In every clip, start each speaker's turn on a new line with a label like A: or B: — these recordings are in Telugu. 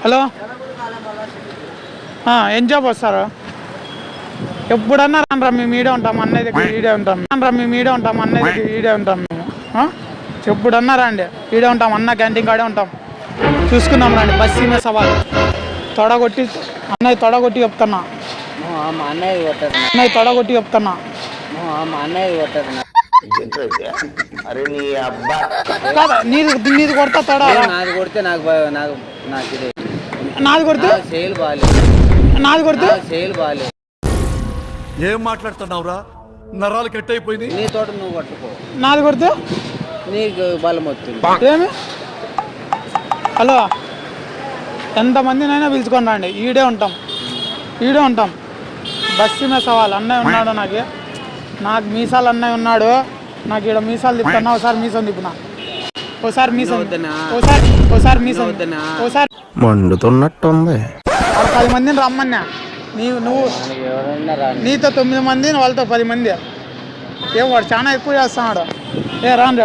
A: హలో, ఏం జాబ్ వస్తారు? ఎప్పుడన్నా రా మేము ఈడే ఉంటాం, అన్నయ్య దగ్గర ఈడే ఉంటాం. మేము ఈడే ఉంటాం, అన్నయ్య దగ్గర ఈడే ఉంటాం మేము. ఎప్పుడన్నా రండి, ఈడే ఉంటాం, అన్న క్యాంటీన్ కాడే ఉంటాం. చూసుకుందాం రండి. బస్సు మీద సవాల్ తొడగొట్టి అన్నయ్య తొడగొట్టి చెప్తున్నా. అన్నయ్య తొడగొట్టి చెప్తున్నా. నీది కొడతా తొడ. నాది కొడితే నాది కొడితే
B: ఏం మాట్లాడుతున్నావురా? నరాలు కట్ అయిపోయింది.
C: నీ తోట నువ్వు పట్టుకో.
A: నాది కొడితే
C: నీకు బలం వస్తుంది.
A: ఏమి? హలో, ఎంతమందినైనా పిలుచుకొని రండి, ఈడే ఉంటాం, ఈడే ఉంటాం. బస్సు మీద సవాల్. అన్నయ్య ఉన్నాడు, నాకు మీసాలు అన్నయ్య ఉన్నాడు. నాకు ఇక్కడ మీసాలు తిప్పుతున్నా. ఒకసారి మీసం తిప్పునా, ఒకసారి మీసం, ఒకసారి మీసం, ఒకసారి
D: మండుతున్నట్టుంది.
A: 10 మందిని రమ్మన్నా. నువ్వు నీతో 9 మంది, వాళ్ళతో 10 మంది. ఏం వాడు చాలా ఎక్కువ చేస్తున్నాడు. రాను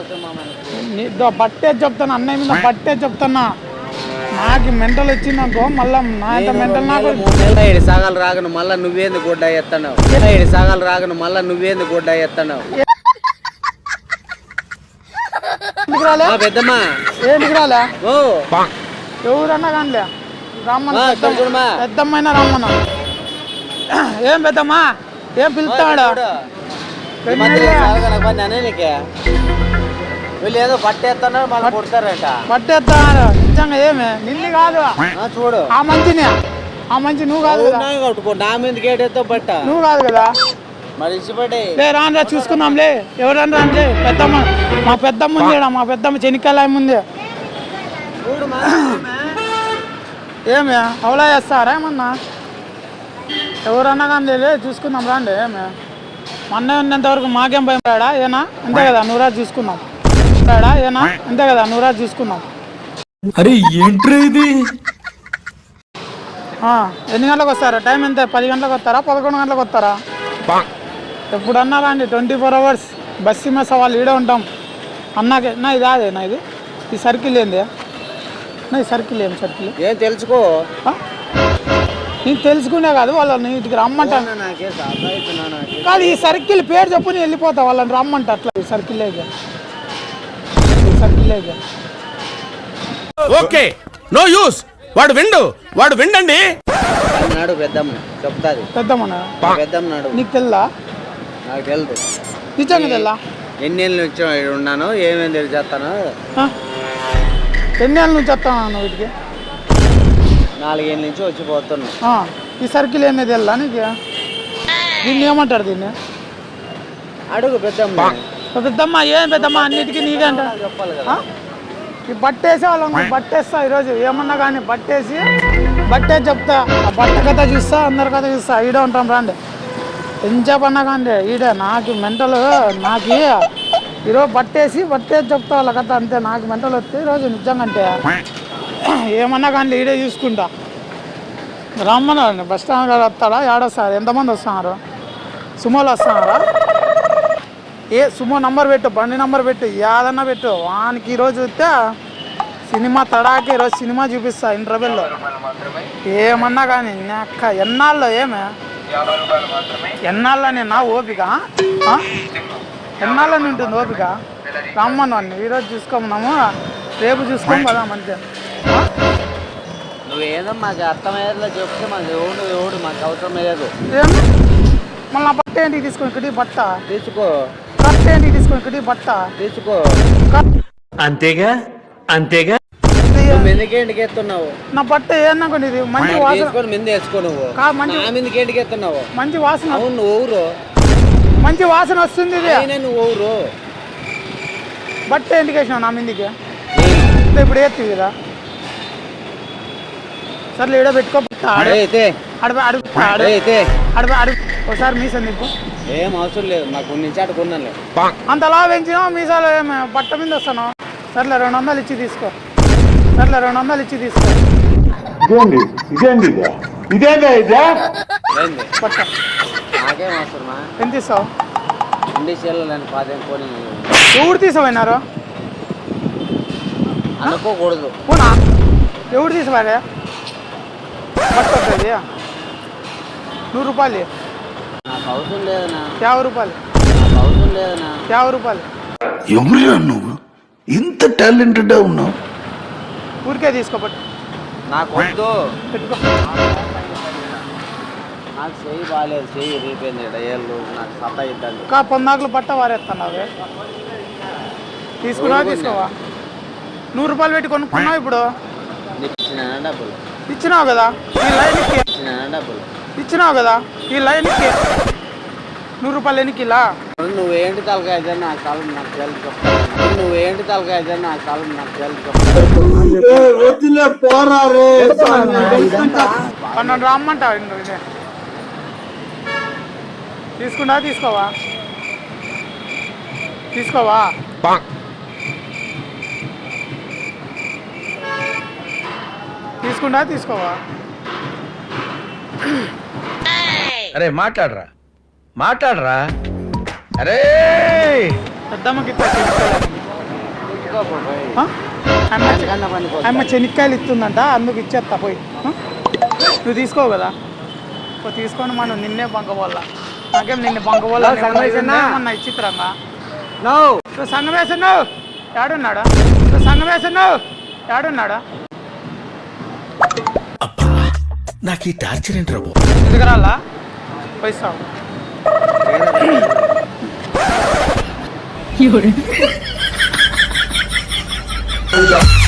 A: బట్టే చెప్తాను, అన్నయ్య మీద బట్టే చెప్తున్నా. నాకు మెంటల్ వచ్చిందనుకో, మళ్ళా నా ఇంత మెంటల్ నాకు.
C: 7 సాగాలు రాగను మళ్ళా నువ్వేంది గుడ్డ ఎత్తన్నావు. 7 సాగాలు రాగను మళ్ళా నువ్వేంది గుడ్డ ఎత్తన్నావు. పెద్దమ్మా
A: ఏంటికి రాలే? ఎవరన్నా కానిలే రమ్మన్నా, పెద్దమ్మైనా రమ్మన్నా. ఏం పెద్దమ్మా, ఏం పిలుస్తాడు?
C: వీళ్ళు ఏదో పట్టేస్తున్నారు, మళ్ళీ కొడతారట.
A: పట్టేస్తున్నారు నిజంగా. ఏమి నిన్ను కాదు,
C: చూడు
A: ఆ మంచిని, ఆ మంచి నువ్వు కాదు కదా.
C: కట్టుకో, నా మీద గేటెత్తో పట్ట.
A: నువ్వు కాదు కదా.
C: మరి ఇచ్చిపడే
A: రానురా, చూసుకుందాంలే. ఎవరన్నా రానులే. పెద్దమ్మ, మా పెద్దమ్మ ఉంది, మా పెద్దమ్మ చెనిక్కాయ ఉంది. ఏమి అవలా చేస్తారా ఏమన్నా? ఎవరన్నా కానీ చూసుకుందాం రాండి. ఏమి మొన్న ఉన్నంతవరకు మాకేం భయం రాడా? ఏనా అంతే కదా, నువ్వు రాజు చూసుకుందాం. రాడా ఏనా అంతే కదా, నువ్వు రాజు చూసుకుందాం.
D: అరే ఏంట్రా ఇది?
A: ఎన్ని గంటలకు వస్తారా? టైం ఎంత? 10 గంటలకు వస్తారా, 11 గంటలకు వస్తారా? ఎప్పుడన్నా రండి, 24 hours బస్సు మీద సవాళ్ళు ఈడే ఉంటాం. అన్నాకే నా ఇది అదే నా ఈ సర్కిల్ ఏంది నా? ఈ సర్కిల్ ఏం సర్కిల్?
C: ఏం తెలుసుకో.
A: నీకు తెలుసుకునే కాదు, వాళ్ళని ఇంటికి రమ్మంటాను కాదు. ఈ సర్కిల్ పేరు చెప్పు, నేను వెళ్ళిపోతా. వాళ్ళని రమ్మంట అట్లా. ఈ సర్కిల్ అయితే, ఈ సర్కిల్ అయితే
D: ఓకే, నో యూస్. వాడు విండండి.
C: నాడు పెద్దమ్మ చెప్తాది.
A: పెద్దమ్మనాడు నీకు తెల్లా?
C: నాకు తెలుసు,
A: నిజంగా తెల్లా.
C: ఎన్ని ఏళ్ళ నుంచి ఉన్నాను, ఏమేమి తెలిసేస్తాను.
A: ఎన్ని ఏళ్ళ నుంచి వస్తాను వీటికి?
C: 4 ఏళ్ళ నుంచి వచ్చిపోతున్నా.
A: ఈ సర్కిల్ ఏంది తెల్లా నీకు? దీన్ని ఏమంటారు? దీన్ని
C: అడుగు పెద్దమ్మ.
A: పెద్దమ్మ ఏం పెద్దమ్మ, అన్నిటికీ నీకంట
C: చెప్పాలి కదా.
A: ఈ బట్టేసి వాళ్ళని బట్టేస్తా ఈరోజు. ఏమన్నా కానీ బట్టే చెప్తా. ఆ బట్ట కథ చూస్తా, అందరి కథ చూస్తా. ఈడే ఉంటాం రండి. ఎంచేపన్నా కానీ ఈడే. నాకు మెంటల్, నాకు ఈరోజు బట్టేసి చెప్తా వాళ్ళ కథ. అంతే, నాకు మెంటల్ వస్తే ఈరోజు నిజంగా. అంటే ఏమన్నా కానీ ఈడే చూసుకుంటా. రమ్మన్నారండి. బస్ స్టాండ్ గారు వస్తాడా? ఏడొస్తారు? ఎంతమంది వస్తున్నారు? సుమోలు వస్తున్నారా? సుమో నంబర్ పెట్టు, బండి నంబర్ పెట్టు, ఏదన్నా పెట్టు. వానికి ఈరోజు చూస్తే సినిమా తడాకి. ఈరోజు సినిమా చూపిస్తా ఇంటర్వెల్లో. ఏమన్నా కానీ అక్క ఎన్నాళ్ళు ఎన్నాళ్ళని నా ఓపిక, ఎన్నాళ్ళని ఉంటుంది ఓపిక? రమ్మను అన్ని ఈరోజు చూసుకోమన్నాము, రేపు చూసుకోము కదా. మంచిగా
C: నువ్వేదో మాకు అర్థమయ్యేలా చెప్తే మాకు ఎవడు మాకు అవసరం లేదు.
A: మళ్ళీ నా బట్ట ఏంటికి తీసుకొని ఇక్కడ బట్ట
C: తీసుకో.
A: బట్ట ఏంటికి తీసుకొని ఇక్కడ బట్ట
C: తీసుకో.
D: అంతేగా.
C: మెందుకేంటికి ఎత్తున్నావు?
A: నా బట్ట ఏమన్నా కొన్ని మంచి వాసన
C: మింద వేసుకో. నువ్వు మెందుకేంటికి ఎత్తున్నావు?
A: మంచి వాసన.
C: అవును, నువ్వు ఊరు
A: మంచి వాసన వస్తుంది.
C: నువ్వు ఊరు
A: బట్ట ఏంటికి వేసినావు నా మీదికి? ఇప్పుడు ఎత్తి కదా. సర్లే ఈడ పెట్టుకో. ఒకసారి మీసం తిప్పు.
C: ఏం అవసరం లేదు, మాకు నుంచి అడుకున్నాను.
A: అంతలా పెంచినావు మీసాలు, ఏమి బట్ట మీద వస్తాను. సర్లే 200 ఇచ్చి తీసుకో. సర్లే 200 ఇచ్చి తీసుకో. బట్ట
C: నాకేం అవసరమా?
A: ఎంత ఇస్తావు?
C: కొని
A: ఎవరు తీసావన్నారు
C: అనుకోకూడదు.
A: ఎవడు తీసుకోవాలి బట్ట వస్తుంది 100 రూపాయలు
C: నాకు అవసరం లేదన్నా
A: 50 రూపాయలు
C: నాకు అవసరం లేదన్నా
A: 50 రూపాయలు
B: ఎవరురా నువ్వు ఇంత టాలెంటెడ్ ఉన్నావు?
A: ఊరికే తీసుకోబట్టు
C: నాకు వద్దు.
A: పెట్టుకో.
C: నాకు చెయ్యి బాగాలేదు, చెయ్యి రీపోయింది ఏళ్ళు నాకు సత్తా ఇద్దండి.
A: ఇంకా పొందాకులు బట్ట వారేస్తున్నావే తీసుకున్నావా తీసుకోవా 100 రూపాయలు పెట్టి కొనుక్కున్నావు ఇప్పుడు
C: నీకు ఇచ్చిన డబ్బులు
A: ఇచ్చినావు కదా ఈ లైన్కి
C: ఇచ్చిన డబ్బులు
A: ఇచ్చినావు కదా ఈ లైన్కి 100 రూపాయలు ఎన్నికిలా
C: నువ్వేంటి తలకాయ అయితే నాకు కాలం నాకు తెలిసి చెప్తాను. నువ్వేంటి తలకాయ అయితే నాకు కాలం నాకు తెలిసి చెప్తాను.
A: 12 రమ్మంటావు ఇదే తీసుకున్నా తీసుకోవా తీసుకోవా తీసుకున్నా తీసుకోవా
D: అరే మాట్లాడరా మాట్లాడరా అరే
A: పెద్దమ్మకి ఇస్తా చెనిక్కాయలు. ఆ? ఆమె చెనిక్కాయలు ఇస్తుందంట అందుకు ఇచ్చేస్తా పోయి నువ్వు తీసుకోవు కదా తీసుకొని మనం నిన్నే బంకబోళ్ళ నాకేం నిన్ను బంకబోళ్ళ ఏమన్నా ఇచ్చిత్రంగా నువ్వు సంఘం వేస్తున్నావు ఏడున్నాడా నువ్వు సంఘం వేస్తున్నావు ఏడున్నాడా
B: నాకు ఈ టార్చర్ ఏంటి రాబో?
A: ఎదుగురాలా పోయిస్తావు
E: 有人。